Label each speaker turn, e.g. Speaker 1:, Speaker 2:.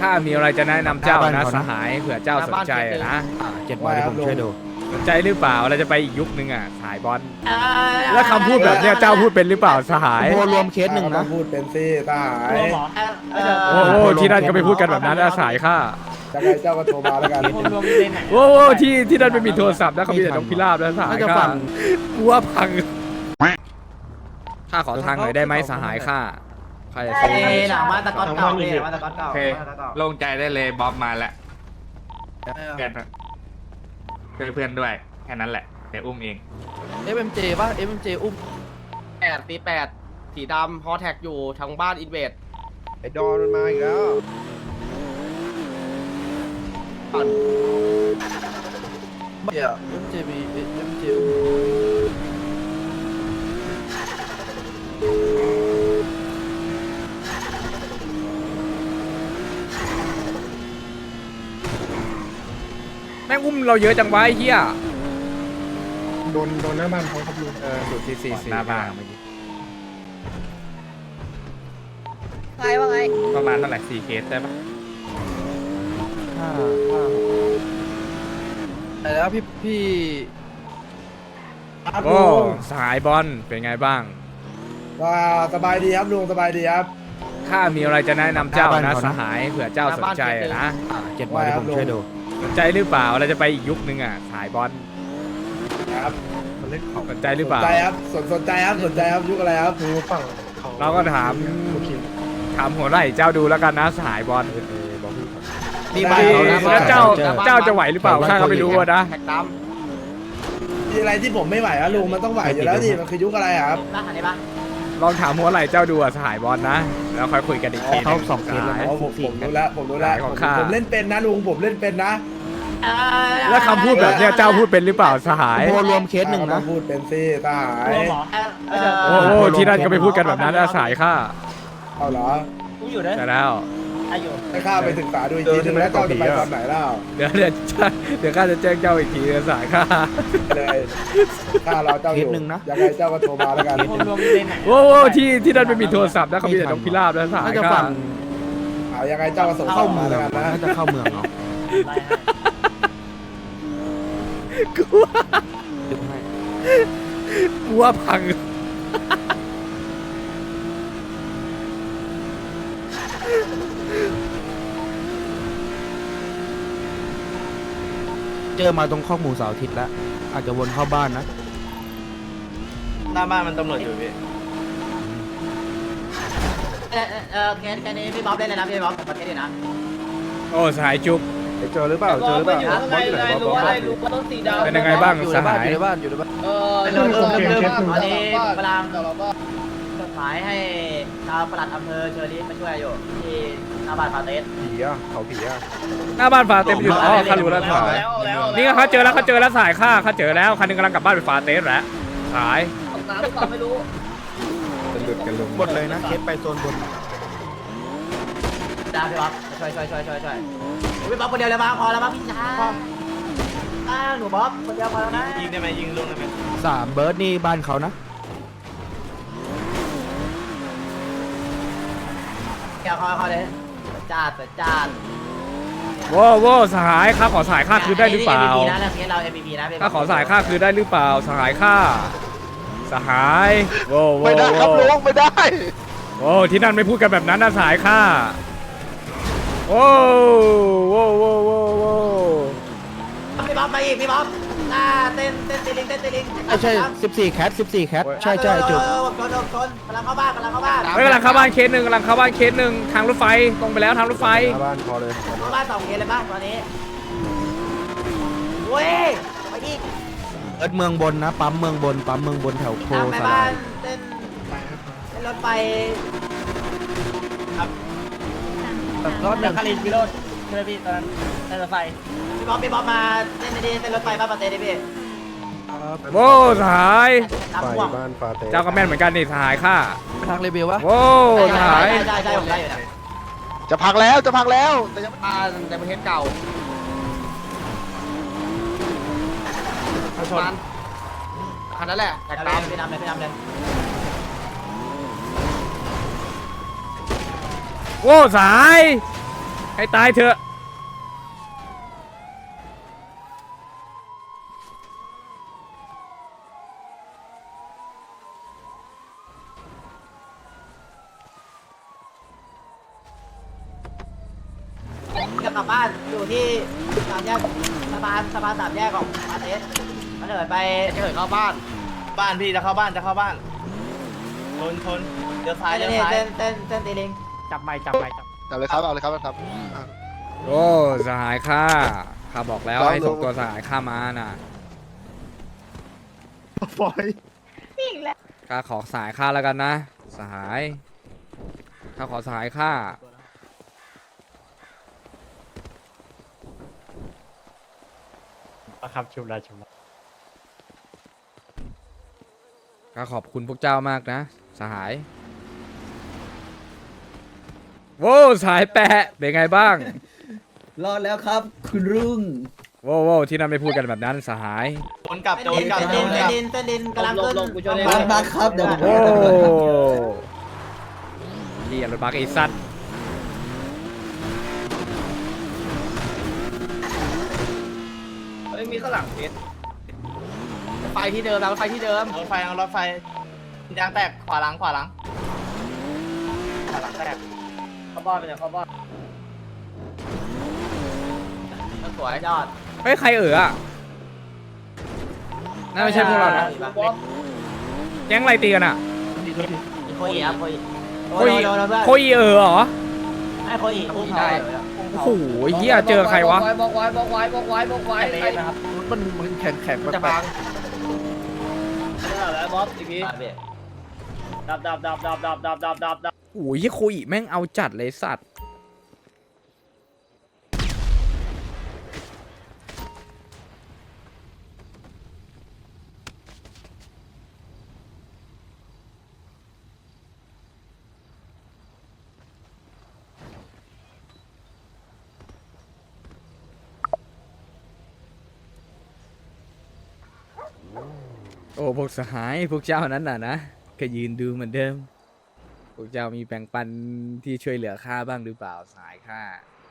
Speaker 1: ข้ามีอะไรจะแนะนำเจ้านะสหายเผื่อเจ้าสนใจนะ
Speaker 2: 7 วันที่ผมช่วยดู
Speaker 1: สนใจหรือเปล่าเราจะไปอีกยุคนึงอ่ะสายบอลแล้วคำพูดแบบเนี้ยเจ้าพูดเป็นหรือเปล่าสหาย
Speaker 2: โมรวมเคสหนึ่งนะ
Speaker 3: พูดเป็นซี่ตาหาย
Speaker 1: โอ้โหที่นั่นก็ไปพูดกันแบบนั้นนะสายข้า
Speaker 3: จะไงเจ้าก็โทรมาแล้วกัน
Speaker 1: โอ้โหที่นั่นไม่มีโทรศัพท์นะเขามีแต่นกพิราบนะสหายข้ากูว่าพังข้าขอทางหน่อยได้ไหมสหายข้าใครจะซื้อ
Speaker 4: หลังมาตะก๊อตเก่าเลยมาตะก๊อตเก่า
Speaker 5: โอเคโล่งใจได้เลยบ๊อบมาแล้วเพื่อนช่วยเพื่อนด้วยแค่นั้นแหละเดี๋ยวอุ้มเอง
Speaker 2: FMJ ป่ะ FMJ อุ้ม
Speaker 6: 8 สีดำฮอแท็กอยู่ทางบ้านอินเวด
Speaker 3: ไอ้ดอนมันมาอีกแล้ว
Speaker 2: FMJ มี FMJ อุ้ม
Speaker 1: แม่งอุ้มเราเยอะจังวะไอ้เหี้ย
Speaker 3: โดนหน้าบ้านเขาครับลุง
Speaker 1: สุดที่สี่
Speaker 5: หน้าบ้าน
Speaker 7: ใครว่าไง
Speaker 5: ประมาณเท่าไหร่4 เคสได้ปะ
Speaker 2: แต่แล้วพี่
Speaker 1: โอ้สหายบอลเป็นไงบ้าง
Speaker 3: ว่าสบายดีครับลุงสบายดีครับ
Speaker 1: ข้ามีอะไรจะแนะนำเจ้านะสหายเผื่อเจ้าสนใจนะ
Speaker 2: 7 วันที่ผมช่วยดู
Speaker 1: สนใจหรือเปล่าเราจะไปอีกยุคนึงอ่ะสายบอล
Speaker 3: ครับ
Speaker 1: สนใจหรือเปล่า
Speaker 3: สนใจครับสนใจครับสนใจครับยุคอะไรครับ
Speaker 1: เราก็ถามหัวไหล่เจ้าดูแล้วกันนะสหายบอล
Speaker 2: นี่บ้านเขานะ
Speaker 1: แล้วเจ้าจะไหวหรือเปล่าข้าก็ไม่รู้อะนะ
Speaker 6: แท็กด
Speaker 3: มีอะไรที่ผมไม่ไหวอะลุงมันต้องไหวอยู่แล้วดิมันคือยุคอะไรอะครับ
Speaker 4: บ้านหันได้ปะ
Speaker 1: ลองถามหัวไหล่เจ้าดูอะสหายบอลนะแล้วค่อยคุยกันอีกที
Speaker 2: เขา2 เคสแล้ว
Speaker 1: สหาย
Speaker 2: นะ
Speaker 3: อ๋อผมรู้แล้วผมรู้แล้ว
Speaker 1: ของข้า
Speaker 3: ผมเล่นเป็นนะลุงผมเล่นเป็นนะ
Speaker 1: แล้วคำพูดแบบเนี้ยเจ้าพูดเป็นหรือเปล่าสหาย
Speaker 2: โมรวมเคสหนึ่งนะ
Speaker 3: พูดเป็นซี่ตาหาย
Speaker 1: โอ้โหที่นั่นก็ไปพูดกันแบบนั้นนะสหายข้า
Speaker 3: เอาเหรอ
Speaker 4: กูอยู่ด้วย
Speaker 1: แต่แล้ว
Speaker 4: อายุ
Speaker 3: ให้ข้าไปศึกษาดูอีกทีนึงแล้วเจ้าจะไปตอนไหนเล่า
Speaker 1: เดี๋ยวข้าจะแจ้งเจ้าอีกทีนะสหายข้า
Speaker 3: เลยข้ารอเจ้าอยู่
Speaker 2: เคสหนึ่งนะ
Speaker 3: ยังไงเจ้าก็โทรมาแล้วกัน
Speaker 4: รวมเล่นไหน
Speaker 1: โอ้โหที่นั่นไม่มีโทรศัพท์นะเขามีแต่นกพิราบนะสหา
Speaker 2: น่าย จะ
Speaker 1: ข้า
Speaker 2: ฝั่ง
Speaker 3: ยังไงเจ้าก็ส่งเข้ามาแล้วกันนะ
Speaker 2: น่าจะเข้าเมืองเนาะ
Speaker 1: กูว่า
Speaker 2: ดึงให้
Speaker 1: กูว่าพัง
Speaker 2: เจอมาตรงข้อมูลเสาร์อาทิตย์แล้ว อาจจะวนเข้าบ้านนะ
Speaker 6: หน้าบ้านมันตำรวจอยู่พี่
Speaker 4: เคสนี้พี่บ๊อบเล่นเลยนะพี่บ๊อบประเทศนี้นะ
Speaker 1: โอ้สหายจุ๊บ
Speaker 3: เจอหรือเปล่าเจอหรือเปล่า
Speaker 6: รู้ว่าต้องสีดำ
Speaker 1: เป็นยังไงบ้าง
Speaker 2: อยู่
Speaker 1: ส
Speaker 2: ในบ้า
Speaker 1: หาน ย
Speaker 2: อยู่ในบ้านอยู่ในบ้าน
Speaker 4: ตอนนี้กำลังจดหมายให้ชาวปลัดอำเภอเชอรี่มาช่วยอยู่ที่หน้าบ้านปาเต้
Speaker 3: ผีอะเขาผีอะ
Speaker 1: หน้าบ้านฟาเต็มอยู่อ๋อข้ารู้แล้วสหายนี่เขาเจอแล้วสหายข้าเขาเจอแล้วคันหนึงกำลังกลับบ้านไปฟาเตสแล้วสหาย
Speaker 4: น้ำหรือเปล่าไม่รู้
Speaker 2: หมดเลยนะ เคสไปโซนบน
Speaker 4: ได้พี่บ๊อบช่วยพี่บ๊อบคนเดียวเลยมาพอแล้วมั้งพี่ชายหนูบ๊อบคนเดียวพอแล้วนะ
Speaker 6: ยิงได้ไหมยิงลงได้ไหม
Speaker 2: 3 เบิร์ดนี่บ้านเขานะ
Speaker 4: เดี๋ยวเขาเลยจัด
Speaker 1: โว้สหายข้าขอสหายข้าคืนได้หรือเปล่า
Speaker 4: MVP นะเรื่องนี้เรา MVP นะ
Speaker 1: ข้าขอสหายข้าคืนได้หรือเปล่าสหายข้าสหายโว้
Speaker 3: ไม่ได้ครับลุงไม่ได้
Speaker 1: โอ้ที่นั่นไม่พูดกันแบบนั้นนะสหายข้าโว้
Speaker 4: พี่บ๊อบมาอีกพี่บ๊อบเต้นตีลิง
Speaker 2: ไม่ใช่ 14 แคท 14 แคท ใช่จุก
Speaker 4: ชนกำลังเข้าบ้าน
Speaker 1: เฮ้ยกำลังเข้าบ้านเคสหนึ่งทางรถไฟตรงไปแล้วทางรถไฟ
Speaker 3: บ้านพอเลย
Speaker 4: เข้าบ้าน2 เคสเลยป่ะตอนนี้เว้ยไปอีก
Speaker 2: เอิร์ดเมืองบนนะ ปั๊มเมืองบนแถวโพ
Speaker 4: ตามไป
Speaker 2: ส
Speaker 4: บ้า
Speaker 2: ลาน ย
Speaker 4: เต้นรถไฟ
Speaker 2: รถหนึ่ง
Speaker 4: คารินพี่โรดใช่ไหมพี่ตอนนั้นเต้นรถไฟพี่บ๊อบมาเต้นดีเต้นรถไฟบ้านปาเต้ดิพี่
Speaker 1: โว้สหาย
Speaker 4: ตามห่วง
Speaker 3: บ้านฟาเต้
Speaker 1: เจ้าก็แม่นเหมือนกันนี่สหายข้า
Speaker 2: ไปทางเรเบลวะ
Speaker 1: โว้สหาย
Speaker 4: ใช่ผมได้อยู่นะ
Speaker 3: จะพังแล้วแต่ยัง
Speaker 6: บ้านในประเทศเก่าชนคันนั้นแหละแท็กดำ
Speaker 4: พี่นำเลย
Speaker 1: โว้สหายให้ตายเถอะ
Speaker 4: จะกลับบ้านอยู่ที่สามแยกสะพานสามแยกของปาเตสมันเดินไป
Speaker 6: จะเหินเข้าบ้าน
Speaker 3: บ้านพี่จะเข้าบ้านจะเข้าบ้านชนเดี๋ยวซ้ายเดี๋ยวซ้าย
Speaker 4: เส้นตีลิง
Speaker 6: จับไม่
Speaker 8: จับเลยครับเอาเลยครับครับ
Speaker 1: โอ้สหายข้าบอกแล้วให้ส่งตัวสหายข้ามาน่ะ
Speaker 8: ปล่อย
Speaker 1: ข้าขอสหายข้าแล้วกันนะสหายข้าขอสหายข้าครับชุบได้ข้าขอบคุณพวกเจ้ามากนะสหายโว้สหายแปะเป็นไงบ้าง
Speaker 9: รอดแล้วครับ คุณรุ่ง
Speaker 1: โว้ที่นั่นไม่พูดกันแบบนั้นสหาย
Speaker 3: โจนกลับโจนกลับ
Speaker 4: เส้นดินกำลังขึ้น
Speaker 9: บักครับเดี๋ยวผม
Speaker 1: โอ้เรียรถบักไอ้สัตว์
Speaker 3: มีข้างหลังเพชร
Speaker 6: ไฟที่เดิมแล้วไฟที่เดิม
Speaker 3: รถไฟยางแตกขวาหลังแตก
Speaker 4: เข้าบ้านไปเนี่ยเข้าบ้าน
Speaker 6: สวย
Speaker 4: ยอด
Speaker 1: เฮ้ยใครอ่ะน่าไม่ใช่พวกเรานะแก๊งอะไรตีกันอ่ะ
Speaker 4: โคอีครับโคอี
Speaker 1: โคอีเหรอ
Speaker 4: ให้โคอีอุ้ม
Speaker 6: ได้
Speaker 1: โอ้โหเฮียเจอใครวะ
Speaker 7: บอกไว้
Speaker 2: มันแข็งแข็ง
Speaker 6: จะพัง
Speaker 7: แล้วบ๊อบอีกทีดับ
Speaker 1: โอ้ยโคอีแม่งเอาจัดเลยสัตว์โอ้พวกสหายพวกเจ้านั้นน่ะนะก็ยืนดูเหมือนเดิมพวกเจ้ามีแบ่งปันที่ช่วยเหลือข้าบ้างหรือเปล่าสหายข้า